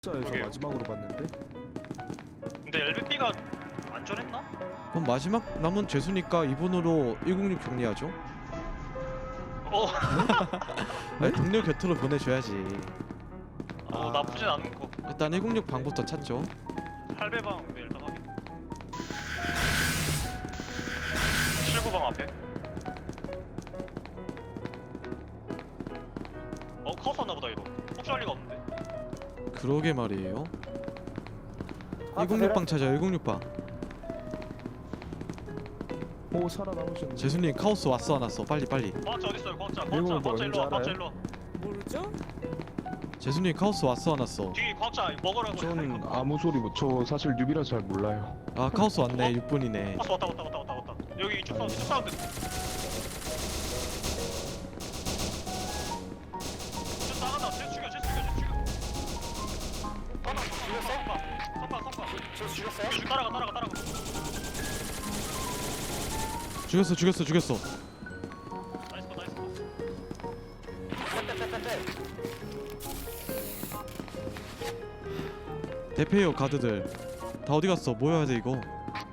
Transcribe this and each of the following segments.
에서 그러게요. 마지막으로 봤는데 근데 LBP가 안전했나? 그럼 마지막 남은 죄수니까 이분으로 106 정리하죠. 아니, 동료 곁으로 보내줘야지. 나쁘진 않은 거. 일단 106 방부터 찾죠. 할배방 네, 일단 확인. 79방 앞에. 카오스 왔나보다 이거. 혹시 할 리가 없는데. 그러게 말이에요. 106방 찾아. 106방. 오 살아남으셨네. 재수님 카오스 왔어 안 왔어? 빨리. 과학자 어딨어요? 과학자 이거 뭐 일로 와. 뭔지 과학자 일로 와. 모르죠? 재수님 카오스 왔어 안 왔어? 뒤 과학자 먹으라고. 저는 아무 소리 못. 저 사실 뉴비라 잘 몰라요. 아 카오스 왔네. 6분이네. 왔다. 여기 이쪽 사운드. 쟤 나간다. 쟤 죽여. 성방. 죽였어요? 따라가. 죽였어. 나이스. 대패요 가드들. 다 어디 갔어? 모여야 돼 이거.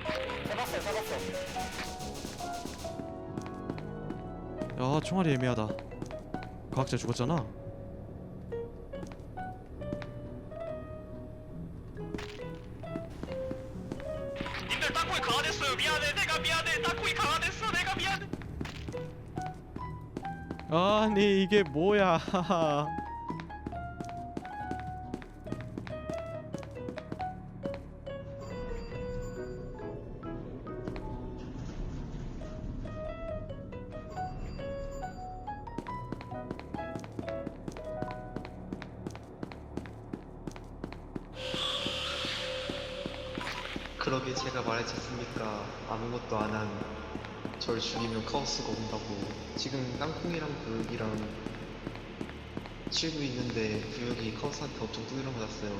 야 총알이 애매하다. 과학자 죽었잖아. 님들 땅콩이 강화됐어요. 미안해. 내가 미안해. 땅콩이 강화됐어. 내가 미안해. 아니 이게 뭐야. 그러게 제가 말했지 않습니까? 아무것도 안 한 절 죽이면 카오스가 온다고. 지금 땅콩이랑 구역이랑 치고 있는데 구역이 카오스한테 엄청 두드려 맞았어요.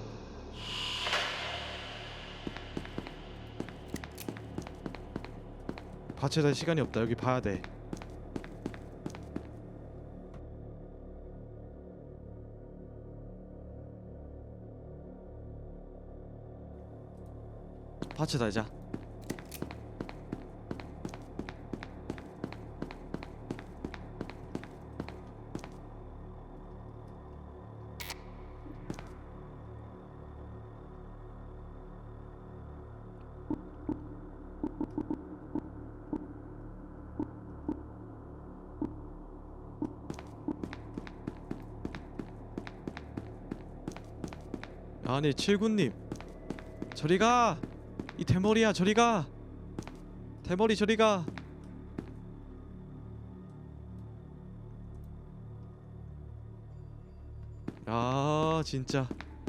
받쳐달 시간이 없다. 여기 봐야 돼. 받쳐 달자. 아니 칠구님 저리가. 이 대머리야 저리가. 대머리 저리가. 아 진짜.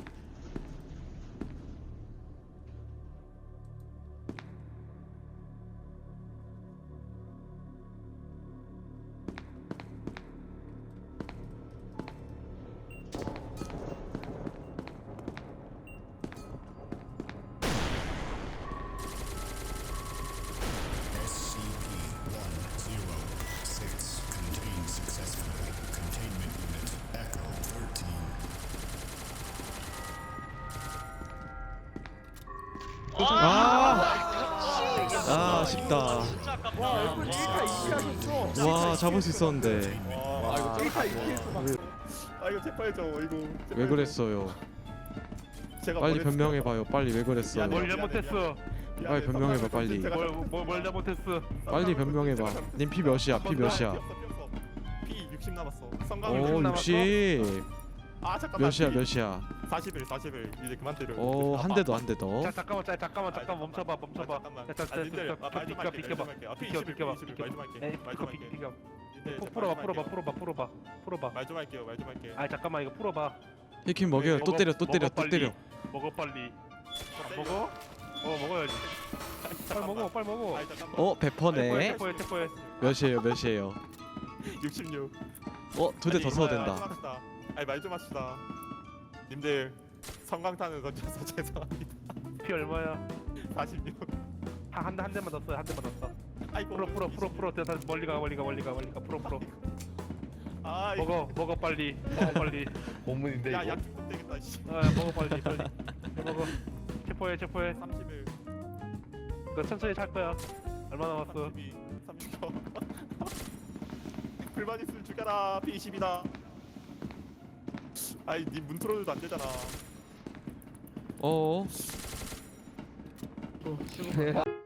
아쉽다. 진짜 아깝다. 와 잡을 수 있었는데. 이거 재빨죠. 이거 왜 그랬어요? 제가 빨리 뭘 했어요? 변명해봐요. 빨리 왜 그랬어요? 뭘 잘못했어? 빨리 변명해봐 빨리. 뭘 잘못했어? 빨리 변명해봐. 님 피 몇이야? 피 몇이야? 피 60 남았어. 성광 오 60. 아 잠깐만. 몇이야? 41 이제 그만 때려. 오 한 대 더 한 대 더. 자 잠깐만 멈춰봐. 잠깐만. 자, 아, 님들, 아, 말 좀 할게, 비켜봐. 말 좀 할게. 아, 피 비켜, 21, 비켜봐, 21, 비켜. 말 좀 할게. 에이, 말 좀 할게. 비켜. 님들, 풀어봐. 말 좀 할게요. 말 좀 할게. 아 잠깐만 이거 풀어봐. 히킨 먹여요. 또 때려 또 때려 또 때려. 먹어 빨리. 먹어? 먹어야지. 빨리 먹어. 아이, 잠깐만. 어 베퍼네. 태포해. 몇이에요? 66. 두 대 더 써도 된다. 아니 말 좀 합시다. 님들 성광탄을 던져서 죄송합니다. 피 얼마야? 46. 한 대만 더 써. 아이고. 풀어. 대단 멀리 가. 풀어. 아, 먹어 빨리. 고문인데 야, 약 되겠다 씨. 먹어 빨리 빨리 먹어. 체포해 31 너 천천히 찰 거야. 얼마 남았어? 32 30초 불만 있으면 죽여라 P20이다 아이 니 문 틀어줘도 안 되잖아 어어. 출구